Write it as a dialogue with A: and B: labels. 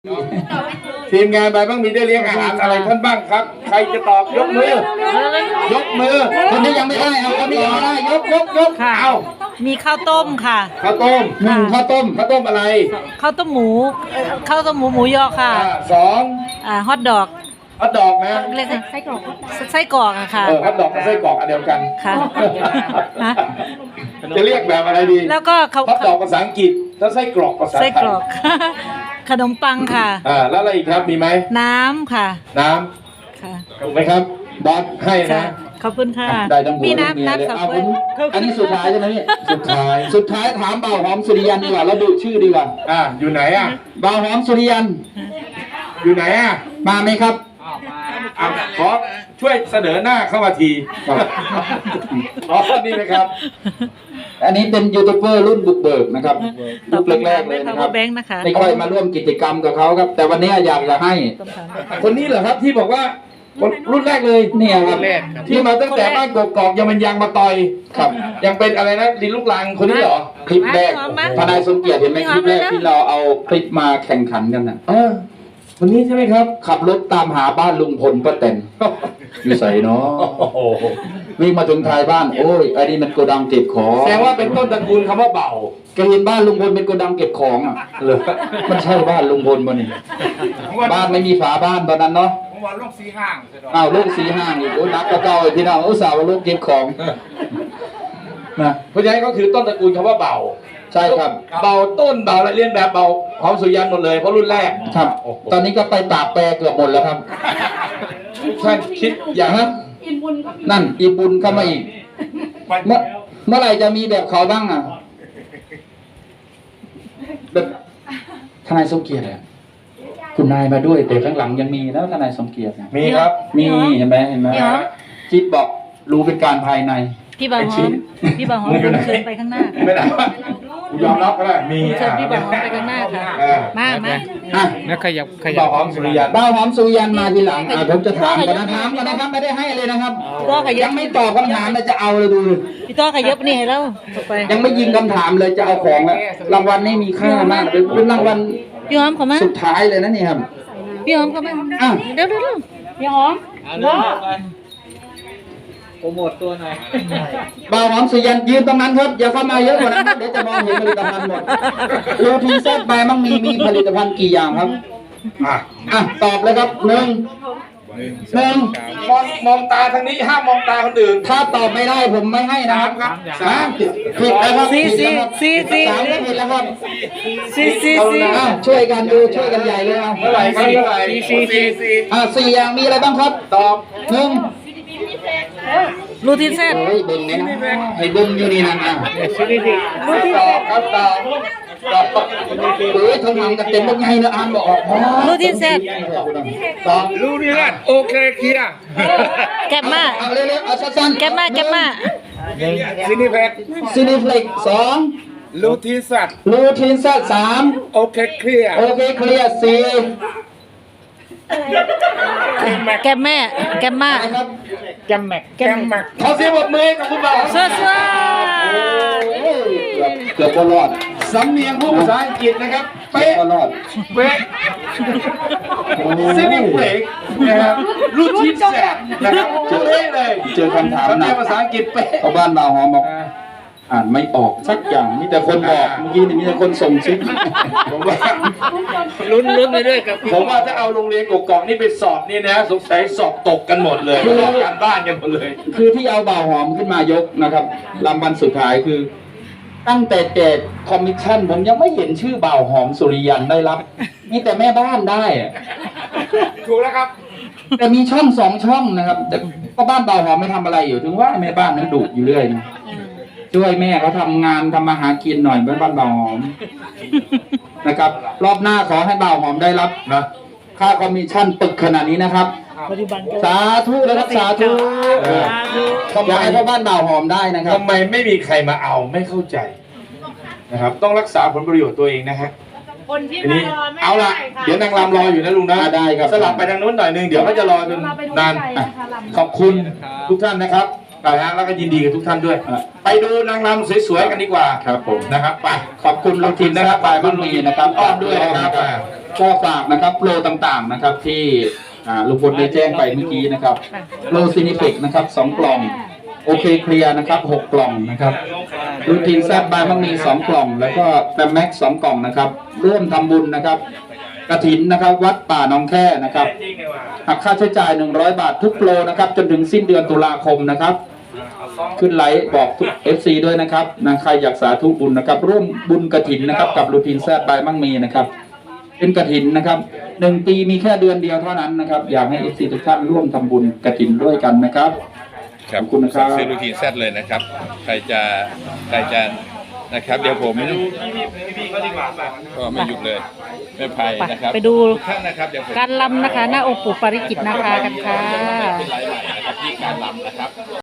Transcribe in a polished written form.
A: ทีมงานใบบ้างมีได้เลี้ยงอาหารอะไรท่านบ้างครับ ใครจะตอบยกมือ ยกมือคนนี้ยังไม่ได้เอาคนนี้ยังไม่ได้ยกเอา
B: มีข้าวต้มค่ะ
A: ข้าวต้มข้าวต้มอะไร
B: ข้าวต้มหมูหมูยอค่ะ
A: สอง
B: ฮอทดอก
A: ฮอทดอกนะ
B: เรียกไส้กรอกอะค่ะ
A: ฮอทดอกกับไส้กรอกอันเดียวกัน
B: ค่ะ
A: จะเรียกแบบอะไรดี
B: แล้วก็
A: ฮอทดอกภาษาอังกฤษแล้วไส้กรอกภาษาไทย
B: ไส้กรอก ขนมปังค่ะ
A: แล้วอะไรอีกครับมีไหม
B: น้ำค่ะ
A: น้
B: ค่ะ
A: ำถูกไหมครับบอสให้นะ
B: ขอบคุณค่ะ
A: ได้ทั้งหัว
B: มี
A: ทั้งเมีย
B: น้ำ
A: เลย
B: สอง
A: เอา
B: ข
A: คุ
B: ว
A: ณ
B: ด
C: อันนี้สุดท้ายใช่ไหมพี่
A: สุดท้าย
C: ถามเบาหอมสุริยันดีกว่าเราดูชื่อดีกว่า
A: อยู่ไหน
C: เบาหอมสุริยัน
A: อยู่ไหน
C: มาไหมครับ
A: ขอช่วยเสนอหน้าเข้ามาทีอ๋อนี่นะครับ
C: อันนี้เป็นยูทูบเบอร์รุ่นบุกเบิกนะครับ
B: ตอ
C: รุ่
B: บ
C: นแรกๆเลยนะครับ
B: แบงค์นะคะ
C: ไม่ค่อยมาร่วมกิจกรรมกับเขาครับ แต่วันนี้อยากจะให้
A: คนนี้เหรอครับที่บอกว่ารุ่นแรกเลย
C: เนี่ยครับ
A: ที่มาตั้งแต่บ้านกอกๆยังเป็นยางมาต่อย
C: ครับ
A: ยังเป็นอะไรนะดินลูกลังคนนี้เหรอ
C: คลิปแรกทนายสมเกียรติเห็นไหมคลิปแรกที่เราเอาคลิปมาแข่งขันกันนะ
A: คนนี้ใช่ไหมครับ
C: ขับรถตามหาบ้านลุงพลป้าแตนอยู่ใส่เนาะ
A: โอ้โห
C: วิ่งมาถึงท้ายบ้านโอ้ยอันนี้มันโกดังเก็บของ
A: แสดงว่าเป็นต้นตระกูลคำว่าเบา
C: แกเห็นบ้านลุงพลเป็นโกดังเก็บของอ่ะ
A: เลย
C: มันใช่บ้านลุงพลป่ะนี่บ้านไม่มีฝาบ้านตอนนั้นเนาะ
D: ผมว่าลูกสีห้างใช่ไหม
C: อ้าวลูกสีห้างอีกโอ้ยนักกระเจ้าไอ้พี่น้องอุตส่าห์ว่าลูกเก็บของนะ
A: เพราะฉะนั้นก็คือต้นตระกูลคำว่าเบา
C: ใช่ครับ
A: เบาต้นเบาอะไรเรียนแบบเบาหอมสุริยันหมดเลยเพราะรุ่นแรก
C: ครับ ตอนนี้ก็ไปปราบแปรเกือบหมดแล้วครับ
A: ท่านคิดอย่างนั้น
C: นั่นอีบุญเข้ามาอีกเมื่อไหร่จะมีแบบเขาบ้างอ่ะแบบทนายสมเกียรติอะคุณนายมาด้วยแต่ข้างหลังยังมีนะทนายสมเกียรติอะ
A: มีครับ
C: มีเห็นไหมจิ๊บบอกรู้เป็นการภายใน
B: พี่บางหอมเดินเชิญไปข้างหน้า
A: ไม่ได้ยอมรับก็ได้มี
B: เชิญพี่บางหอมไปข้างหน้าค่ะ มา
C: อ่ะ
D: แล้วขยับ
A: เบาหอมสุริยัน
C: บ้าวหอมสุริยันมาทีหลังผมจะถามกันนะถามกันนะครับไม่ได้ให้เลยนะครับ
B: ก็ขยั
C: ยั
B: บ
C: งไม่ตอบคำถามเลยจะเอาเลยดู
B: พี่ต้อขยับนี่ให้เราต่อไป
C: ยังไม่ยิงคำถามเลยจะเอาของแล้วรางวัลนี่มีค่ามากเป็นรางวัล
B: พี่หอมเข้ามา
C: สุดท้ายเลยนะนี่ครับ
B: พี่หอมเข้ามา
C: อ้าว
B: เร็วพี่หอม
D: โปรโมทตัวหน่อย
C: บ่าวหอมสุริยันยืนตรงนั้นครับอย่าเข้ามาเยอะกว่านั้นครับเดี๋ยวจะมองเห็นผลิตภัณฑ์หมดรูทีนแซดใบมั่งมีผลิตภัณฑ์กี่อย่างครับตอบเลยครับหนึ่ง
A: มองตาทางนี้ห้ามมองตาคนอื่น
C: ถ้าตอบไม่ได้ผมไม่ให้นะครับ ผิดแล้วครับ
B: สี่
C: สามก็ผิดแล้วครับ
B: สี่
C: ช่วยกันดูช่วยกันใหญ่เลยเอา
A: เท่าไหร่ครับเท่าไหร่สี่
C: สี่อย่างมีอะไรบ้างครับ
A: ตอบ
C: หนึ่ง
B: รูทีนเซต
C: โอ้ยเบิ่งเนี่ยนะให้เบิ่งอยู่นี่นั่นอ่ะ
A: ตอบครับตอบ
C: เอ้ยทำงานกันเต็มพวกไงนะอ่านบอกออก
B: รูทีนเซต
C: ตอบ
D: รู้นี่แหละโอเคเคลียร์
B: แก็บมา
C: เอาเร็วๆเอาสั้นๆ
B: แก็บมา
D: ซินิเพช
C: ซินิฟลิกสอง
D: ลูทีสัตว์
C: รูทีนซัดสาม
D: โอเคเคลียร์
C: โอเคเคลียร์สี่
B: แก็บมา
C: อะไรครับ
D: แกมแม็กแกมแม็ก
A: ขอเสียงปรบมือให้กับคุณบ่าว
B: สวัสดี
C: เกือบก็รอด
A: สำเนียงผู้ภาษาอังกฤษนะครับ
C: เกือบ
A: เป๊ะ
C: ก็รอด
A: เป๊ะซินิเบรกนะครับรูทีนแสบนะครับเป๊ะเลย
C: เจอคำถาม
A: สำ
C: ห
A: เนี
C: นั
A: ยง
C: ก
A: ภาษาอังกฤษเป๊ะ
C: เพราะบ้านบ่าวหอมบอกอ่านไม่ออกสักอย่างมีแต่คนบอกเมื่อกี้นี่มีแต่คนส่งซิก
A: ผมว่า
D: ลุ้นไปด้วยกับ
A: ผมว่าถ้าเอาโรงเรียนกกอกนี่ไปสอบนี่นะสงสัยสอบตกกันหมดเลยลอกการบ้านกันหมดเลย
C: คือที่เอาบ่าวหอมขึ้นมายกนะครับรางวัลสุดท้ายคือ ตั้งแต่เจ็ดคอมมิชชั่นผมยังไม่เห็นชื่อบ่าวหอมสุริยันได้รับมีแต่แม่บ้านได้อะ
D: ถูกแล้วครับ
C: แต่มีช่องสองช่องนะครับแต่ก็บ้านบ่าวหอมไม่ทำอะไรอยู่ถึงว่าแม่บ้านนั้นดุอยู่เรื่อยนะช่วยแม่เขาทำงานทำมาหากินหน่อยบ้านบ่าวหอมนะครับ รอบหน้าขอให้บ่าวหอมได้รับนะค่าคอมมิชชั่นตึกขนาดนี้นะครับ
B: ปัจจุบัน
C: สาธุนะครับสาธุอยากให้พ่อบ้านบ่าวหอมได้นะครับ
A: ทำไมไม่มีใครมาเอาไม่เข้าใจนะครับต้องรักษาผลประโยชน์ตัวเองนะฮะ
E: คนที่
A: ที
E: มา
A: นี้
E: รอไม่
A: เอาละ
E: ได้ค่ะ
A: เดี๋ยวนางรำรออยู่นะลุงนะ
C: ได้ครับ
A: สลับไปทางนู้นหน่อยนึงเดี๋ยวเขาจะรอจน
E: เราไปดู
A: นาน
E: ใจนะคะลำ
A: ขอบคุณทุกท่านนะครับนะฮะแล้วก็ยินดีกับทุกท่านด้วย ไปดูนางรำสวยๆกันดีกว่า
C: ครับผม
A: นะครับไป
C: ขอบคุณลุงทินนะครับบายบ้านมีนะครับ
A: อ้อมด้วยนะครับ
C: ก็ฝากนะครับโปรต่างๆนะครับที่ลุงพลได้แจ้งไปเมื่อกี้นะครับโปรซินิเฟกนะครับ2 กล่องโอเคเคลียร์นะครับ6 กล่องนะครับรูทีนแซบบายมังมี2 กล่องแล้วก็แฟมแม็ก2 กล่องนะครับร่วมทำบุญนะครับกฐินนะครับวัดป่าหนองแค่นะครับหักค่าใช้จ่าย100 บาททุกโปรนะครับจนถึงสิ้นเดือนตุลาคมนะครับขึ้นไลฟ์บอกทุก FC ด้วยนะครับนะใครอยากสาธุบุญนะครับร่วมบุญกฐินนะครับกับรูทีนแซบบายมังมีนะครับเป็นกฐินนะครับ1 ปีมีแค่เดือนเดียวเท่านั้นนะครับอยากให้ FC ทุกท่านร่วมทำบุญกฐินด้วยกันนะครับขอบคุณนะครับ
E: ซื้อรูทีนแซดเลยนะครับ ใครจะนะครับ เดี๋ยวผมก็ไม่หยุดเลยไม่ภัยนะครับ
B: ไปดู
E: ทุกท่านนะครับเดี๋ยวผม
B: การลำนะคะ หน้าองค์ปู่ปาริจิตนาคากันค่ะ
E: เป็นไลฟ์ใหม่นะครับที่การลำนะครับ